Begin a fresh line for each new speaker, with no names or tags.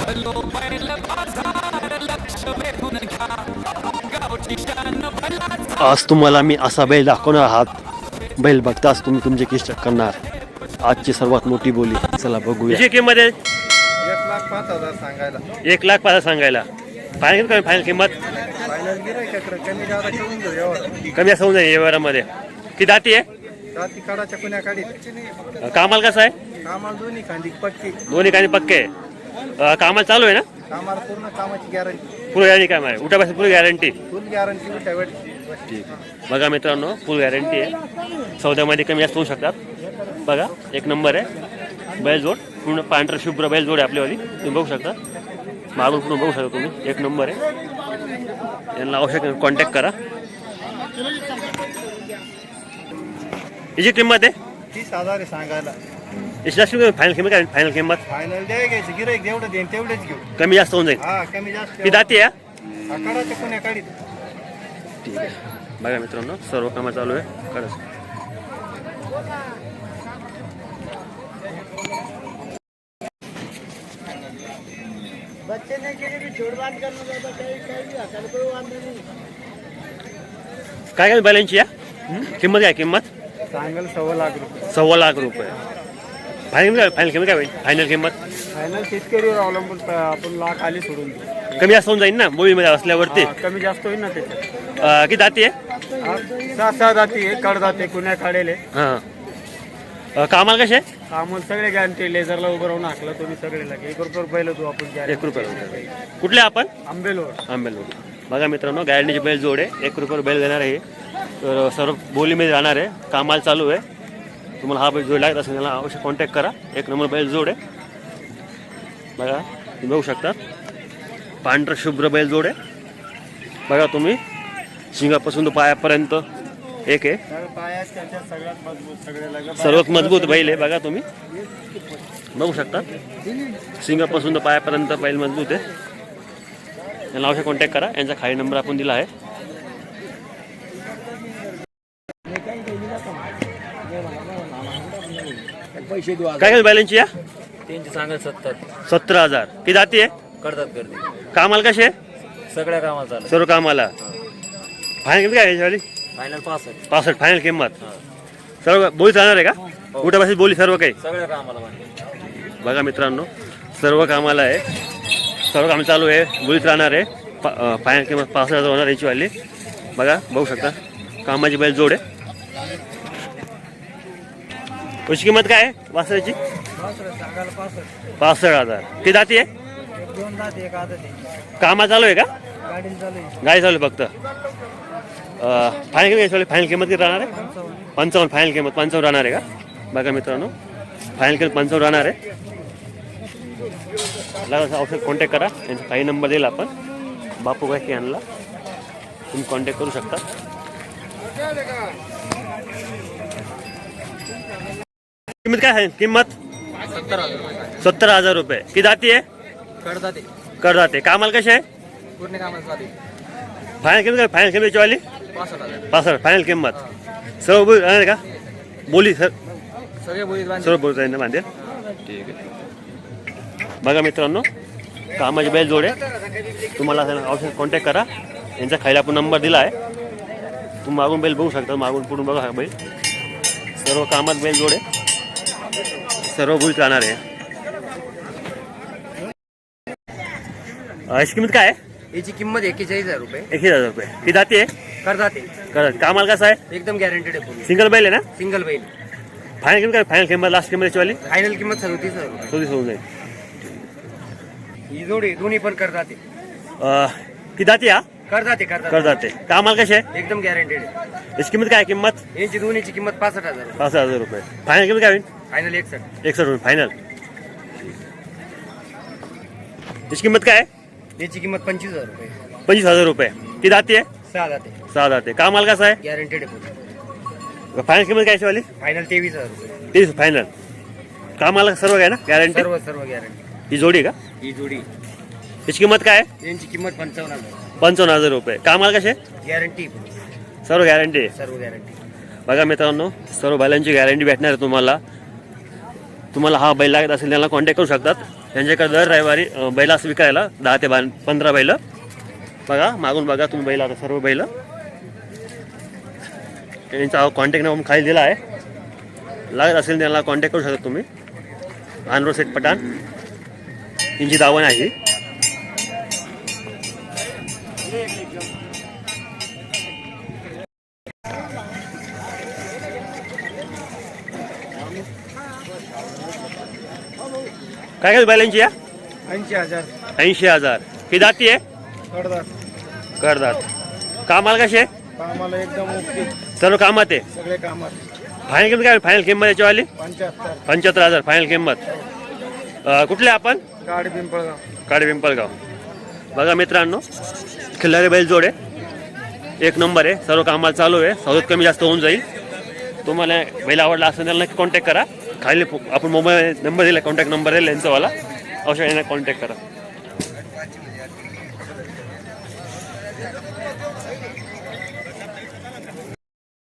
आज तुम्हाला मी असा बैल दाखवणार आहात. बैल बघताच तुम्ही तुमचे केस चेक करणार. आजची सर्वात मोठी बोली. चला बघूया.
किती किंमत आहे?
1,05,000 सांगायला.
1,05,000 सांगायला. फायनल काय फायनल किंमत?
फायनल गिरायकाकडे कमी जादा करून देऊ यावर.
कमी असं होऊन जाईल या व्यवहारामध्ये. किती दाती आहे?
जाती काढाच्या कुण्या काढीत.
कामाला कसं आहे?
कामाला दोन्ही खांदी पक्की.
दोन्ही काही पक्के आहे. कामाला चालू आहे ना?
कामाला पूर्ण कामाची गॅरंटी.
फुल गॅरंटी काम आहे. उठापासून फुल गॅरंटी.
फुल गॅरंटी उठ्या वेळ.
ठीक. बघा मित्रांनो फुल गॅरंटी आहे. सौद्यामध्ये कमी जास्त होऊ शकतात. बघा एक नंबर आहे. बैलजोड पूर्ण पांढरं शुभ्र बैलजोड आहे आपल्यावाली. तुम्ही बघू शकता. मागून पूर्ण बघू शकता तुम्ही. एक नंबर आहे. यांना आवश्यक कॉन्टॅक्ट करा. याची किंमत आहे
30,000 आहे सांगायला.
याची जास्त फायनल किंमत काय? फायनल किंमत
फायनल द्याय घ्यायची गिरायक जेवढं देईन तेवढेच घेऊ.
कमी जास्त होऊन जाईल.
हा कमी जास्त.
ती दाती आहे.
काढाच्या कुण्या काढीत.
ठीक आहे. बघा मित्रांनो सर्व कामं चालू आहे. खरंच
बच्चे नहीं के लिए भी जोड़बान करना ज्यादा कहीं कोई वांधा नहीं.
काय काय बैलांची आहे? किंमत काय किंमत?
सांगायला 1,15,00,000 रुपये.
1,15,00,000 रुपये. फायनल किंमत काय होईल? फायनल किंमत
फायनल शेतकरीवर अवलंबून आपण लाख आली सोडून देऊ.
कमी जास्त होऊन जाईल ना बोलीमध्ये असल्यावरती.
कमी जास्त होईल ना त्याच्यात.
किती दाती आहे?
6 जाती आहे. कड जाते कुण्या काढेले.
हां कामाला कसे?
कामाला सगळे गॅरंटी. लेझरला उभं राहून हाकला तुम्ही सगळे लागे 1 रुपये पहिलं तू आपण
1 रुपये. कुठले आपण?
आंबेलोड.
आंबेलोड. बघा मित्रांनो गॅरंटीची बैल जोड आहे. 1 रुपये बैल देणार आहे. तर सर्व बोलीमध्ये राहणार आहे. कामाला चालू आहे. तुम्हाला हा बैल जोड लागत असेल त्याला अवश्य कॉन्टॅक्ट करा. 1 नंबर बैल जोड आहे. बघा तुम्ही बघू शकता. पांढरं शुभ्र बैल जोड आहे. बघा तुम्ही शिंगापासून तो पायापर्यंत एक आहे. सर्वात मजबूत बैल आहे. बघा तुम्ही बघू शकता. शिंगापासून तो पायापर्यंत बैल मजबूत आहे. यांना अवश्य कॉन्टॅक्ट करा. यांचा खाली नंबर आपण दिला आहे. काय काय बैलांची या?
त्यांची सांगाल
17,000. ती जाती आहे?
करतात करते
कामाला कसे?
सगळ्या कामाला चालू.
सर्व कामाला. फायनल किंमत काय याच्यावाली?
फायनल 65.
65 फायनल किंमत. सर्व बोली चालणार आहे का? उठापासून बोली सर्व काही.
सगळ्या कामाला म्हणजे
बघा मित्रांनो सर्व कामाला आहे. सर्व काम चालू आहे. बोलीत राहणार आहे. फायनल किंमत 65,000 होणार याची वाली. बघा बघू शकता कामाची बैल जोड आहे. त्याची किंमत काय आहे वासराची? 65,000. ती दाती आहे?
2 जाती 1 आदत आहे.
कामा चालू आहे का?
गाडीला चालू आहे.
गाडी चालू आहे फक्त. फायनल किंमत फायनल किंमत किती राहणार आहे? 55. फायनल किंमत 55 राहणार आहे का? बघा मित्रांनो फायनल किंमत 55 राहणार आहे. लागला औषध कॉन्टॅक्ट करा. यांचा काही नंबर दिला आपण. बापू गायके यांना तुम्ही कॉन्टॅक्ट करू शकता. किंमत काय आहे? किंमत 70,000 रुपये. किती जाती आहे?
करतात
करदाते. कामाला कसे आहे?
पूर्ण कामाला चालू.
फायनल किंमत काय? फायनल किंमत वाली
65,000.
65 फायनल किंमत. सर्व बोली राहणार का? बोली सर
सगळे बोलीत बांधले.
सर्व बोलता येईल बांधेल. ठीक आहे. बघा मित्रांनो कामाची बैल जोड आहे. तुम्हाला औषध कॉन्टॅक्ट करा. यांचा खायला आपण नंबर दिला आहे. तुम्ही मागून बैल बघू शकता. मागून पुढून बघा हा बैल. सर्व कामात बैल जोड आहे. सर्व बोलीत राहणार आहे. याची किंमत काय आहे?
याची किंमत 41,000 रुपये.
1,000 रुपये. ती जाते आहे?
करतात
करत. कामाला कसं आहे?
एकदम गॅरंटेड आहे.
सिंगल बैल आहे ना?
सिंगल बैल.
फायनल किंमत काय? फायनल किंमत लास्ट किंमत वाली
फायनल किंमत 37,000 रुपये.
34 होऊन जाईल.
ही जोडी दोन्ही पण करतात.
ती जाते हा?
करतात
करदाते. कामाला कसे आहे?
एकदम गॅरंटेड आहे.
याची किंमत काय? किंमत
यांची दोन्हीची किंमत 65,000 रुपये.
65,000 रुपये. फायनल किंमत काय होईल?
फायनल 61.
61 होईल फायनल. याची किंमत काय आहे?
याची किंमत 25,000 रुपये.
25,000 रुपये. ती जाते आहे?
6 जाते.
6 जाते. कामाला कसं आहे?
गॅरंटेड आहे.
फायनल किंमत काय वाली?
फायनल 23,000 रुपये.
30 फायनल. कामाला सर्व काय ना गॅरंटी?
सर्व गॅरंटी.
ही जोडी का?
ही जोडी.
याची किंमत काय आहे?
यांची किंमत 55,000.
55,000 रुपये. कामाला कसे?
गॅरंटी.
सर्व गॅरंटी आहे.
सर्व गॅरंटी.
बघा मित्रांनो सर्व बैलांची गॅरंटी भेटणार आहे तुम्हाला. तुम्हाला हा बैल लागत असेल त्यांना कॉन्टॅक्ट करू शकतात. त्यांच्याकडे दर रविवारी बैल असं विकायला 10 ते 15 बैल. बघा मागून बघा तुम्ही बैल आता सर्व बैल. त्यांचा कॉन्टॅक्ट नंबर खाली दिला आहे. लागत असेल त्यांना कॉन्टॅक्ट करू शकता तुम्ही. आनरो सेट पठाण यांची दावण आहे. काय काय बैलांची या
80,000
80,000. ही दाती आहे
कडदार.
करदात. कामाला कसे आहे
कामाला एकदम ओके.
सर्व कामात आहे.
सगळे कामात.
फायनल किंमत काय फायनल किंमत याच्यावाली
75.
75,000 फायनल किंमत. कुठले आपण
गाडी पिंपळगाव.
काडे पिंपळगाव. बघा मित्रांनो खिल्लारी बैल जोड आहे. एक नंबर आहे. सर्व कामाला चालू आहे. सवलत कमी जास्त होऊन जाईल. तुम्हाला बैल आवडला असेल त्याला नक्की कॉन्टॅक्ट करा. खाली आपण मोबाईल नंबर दिला कॉन्टॅक्ट नंबर आहे यांचावाला. अवश्य यांना कॉन्टॅक्ट करा.